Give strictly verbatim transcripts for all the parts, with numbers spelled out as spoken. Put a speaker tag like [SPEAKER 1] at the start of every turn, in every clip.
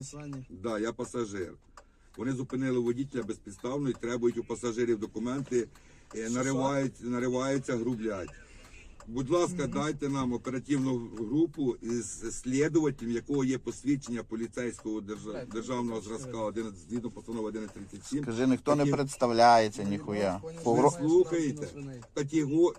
[SPEAKER 1] Сані.
[SPEAKER 2] Да, я пасажир. Вони зупинили водителя безпідставно і требують у пасажирів документи, е, нариваються, нариваються, грублять. Будь ласка, дайте нам оперативну групу із слідувателем, якого є посвідчення поліцейського держав... державного зразка одинадцять, згідно постанови одинадцять тридцять сім.
[SPEAKER 3] Скажи, ніхто не
[SPEAKER 2] Такі-
[SPEAKER 3] представляється, ніхуя. Погро...
[SPEAKER 2] Ви слухаєте? Катего...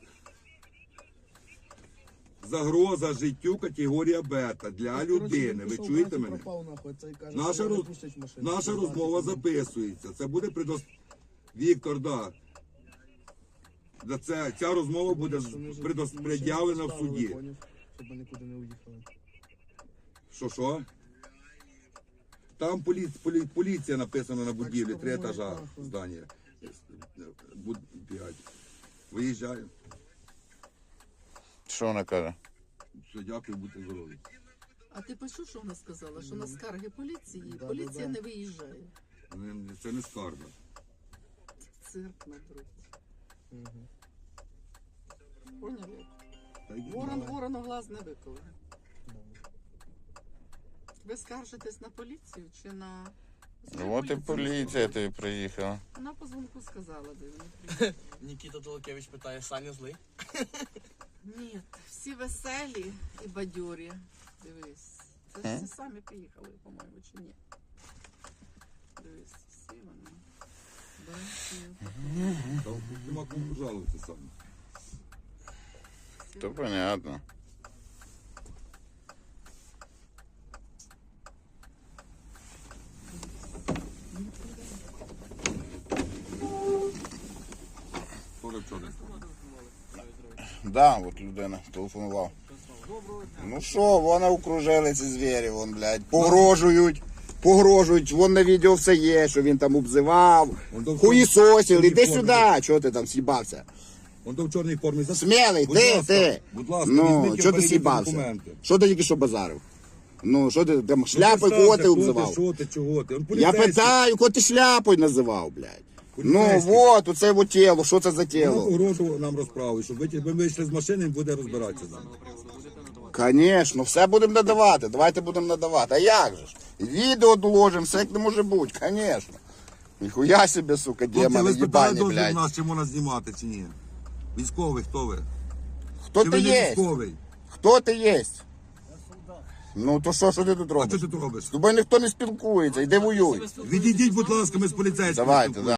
[SPEAKER 2] Загроза життю категорія бета для людини. Ви чуєте мене? Наша, роз... Наша розмова записується. Це буде предос... Віктор, да. Да це, ця розмова буде предос... пред'явлена в суді.
[SPEAKER 1] Щоб ми нікуди не уїхали.
[SPEAKER 2] Що, що? Там полі... Полі... поліція написана на будівлі, три етажа здання. Буд... п'ять. Виїжджаю.
[SPEAKER 3] Що вона каже?
[SPEAKER 2] Все, дякую, будьте здорові.
[SPEAKER 4] А ти почув, що вона сказала? Що на скарги поліції,
[SPEAKER 1] Да,
[SPEAKER 4] поліція
[SPEAKER 1] да, да.
[SPEAKER 4] не виїжджає.
[SPEAKER 2] Не- Це не скарга.
[SPEAKER 4] Цирк на друг.
[SPEAKER 1] Угу.
[SPEAKER 4] Поняли?
[SPEAKER 2] Та йди.
[SPEAKER 4] Ворон ворону глаз не виковує. Ви скаржитесь на поліцію чи на...
[SPEAKER 3] От і поліція тобі приїхала.
[SPEAKER 4] Вона по дзвонку сказала, де вони приїхали.
[SPEAKER 5] Нікіта Толокевич питає, Саня злий?
[SPEAKER 4] Ні, всі веселі і бадьорі. Дивись. Це ж всі самі приїхали, по-моєму, чи ні? Дивись, всі вони. Бачу.
[SPEAKER 2] Там нема кому жалуватися саме.
[SPEAKER 3] То понятно.
[SPEAKER 2] Тоже вчора.
[SPEAKER 3] Да, от людина телефонував. Ну що, вона окружили ці звірі, вон, блядь, погрожують, погрожують, вон на відео все є, що він там обзивав,
[SPEAKER 2] Вон до-
[SPEAKER 3] хуїсосив, іди
[SPEAKER 2] формі.
[SPEAKER 3] сюди, чого ти там с'їбався?
[SPEAKER 2] Он то в чорній формі. за-
[SPEAKER 3] Смілий,
[SPEAKER 2] Будь
[SPEAKER 3] ти,
[SPEAKER 2] ласка,
[SPEAKER 3] ти.
[SPEAKER 2] Будь ласка,
[SPEAKER 3] Ну,
[SPEAKER 2] візьміть
[SPEAKER 3] чого ти
[SPEAKER 2] перевірте
[SPEAKER 3] с'їбався?
[SPEAKER 2] документи.
[SPEAKER 3] Що ти тільки що базарив? Ну, що ти там
[SPEAKER 2] Ну,
[SPEAKER 3] шляпою,
[SPEAKER 2] представте,
[SPEAKER 3] кого ти
[SPEAKER 2] хто
[SPEAKER 3] обзивав?
[SPEAKER 2] Що ти, чого ти? Он
[SPEAKER 3] Я
[SPEAKER 2] поліцейський.
[SPEAKER 3] питаю, кого ти шляпою називав, блядь? Ну,
[SPEAKER 2] Поліцейський.
[SPEAKER 3] вот, оце вот тіло, що це за
[SPEAKER 2] Вона
[SPEAKER 3] тіло?
[SPEAKER 2] погрожувала нам розправи, щоб ви, ви вийшли з машини і буде розбиратися з нами.
[SPEAKER 3] Конечно, все будемо надавати, давайте будемо надавати. А як же ж? Відео доложимо, все як не може бути, конечно. Ніхуя себе, сука,
[SPEAKER 2] Хлопці,
[SPEAKER 3] демони,
[SPEAKER 2] ви спитали
[SPEAKER 3] їбані,
[SPEAKER 2] дозвіл
[SPEAKER 3] блядь.
[SPEAKER 2] нас, чи можна знімати, чи ні? Військовий, хто ви?
[SPEAKER 3] Хто
[SPEAKER 2] Чи
[SPEAKER 3] ти
[SPEAKER 2] ви не
[SPEAKER 3] є?
[SPEAKER 2] військовий?
[SPEAKER 3] Хто ти є? Ну то що, що ти тут
[SPEAKER 2] А
[SPEAKER 3] робиш?
[SPEAKER 2] що ти тут робиш?
[SPEAKER 3] З тобою ніхто не спілкується, йди воюй.
[SPEAKER 2] Відійдіть, будь ласка, ми з поліцейськими.
[SPEAKER 3] Давайте,
[SPEAKER 2] спілкуємося.